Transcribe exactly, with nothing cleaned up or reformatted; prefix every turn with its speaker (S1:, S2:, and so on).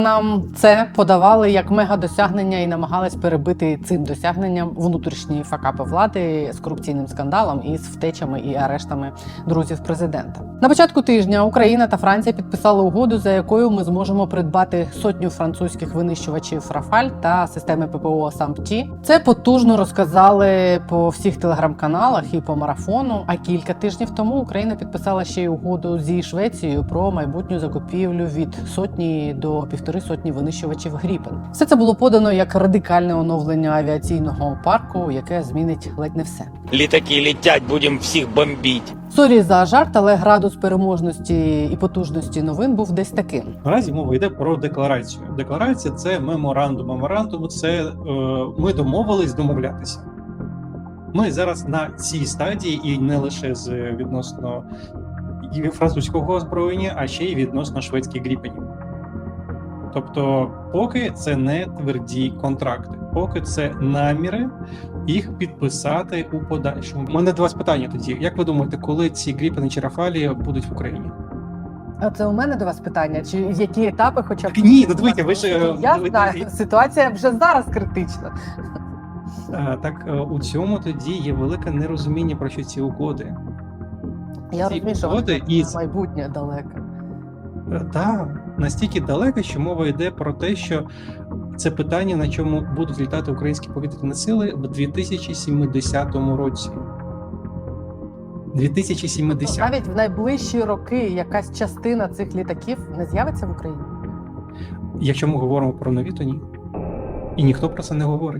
S1: Нам це подавали як мега-досягнення і намагались перебити цим досягненням внутрішні факапи влади з корупційним скандалом і з втечами і арештами друзів президента. На початку тижня Україна та Франція підписали угоду, за якою ми зможемо придбати сотню французьких винищувачів «Рафаль» та системи ППО «Сампті». Це потужно розказали по всіх телеграм-каналах і по марафону. А кілька тижнів тому Україна підписала ще й угоду зі Швецією про майбутню закупівлю від сотні до півтори сотні винищувачів «Гріпен». Все це було подано як радикальне оновлення авіаційного парку, яке змінить ледь не все.
S2: Літаки летять, будемо всіх бомбити.
S1: Сорі за жарт, але градус переможності і потужності новин був десь таким.
S3: Наразі мова йде про декларацію. Декларація – це меморандум. Меморандум – це е, ми домовились домовлятися. Ми зараз на цій стадії, і не лише з відносно французького озброєння, а ще й відносно шведських гріпенів. Тобто, поки це не тверді контракти, поки це наміри їх підписати у подальшому. У мене до вас питання тоді. Як ви думаєте, коли ці гріпени чи рафалі будуть в Україні?
S1: А це у мене до вас питання? Чи які етапи хоча б?
S3: Ні, ну дивіться, ви ж...
S1: Я
S3: ви-
S1: знаю, ситуація вже зараз критична.
S3: Е, Так, е, у цьому тоді є велике нерозуміння про що ці угоди.
S1: Я
S3: Ці
S1: розумію, що
S3: угоди із
S1: майбутнє далеке.
S3: Так, настільки далеко, що мова йде про те, що це питання, на чому будуть літати українські повітряні сили в дві тисячі сімдесятому році. дві тисячі сімдесятому.
S1: Навіть в найближчі роки якась частина цих літаків не з'явиться в Україні.
S3: Якщо ми говоримо про нові, то ні. І ніхто про це не говорить.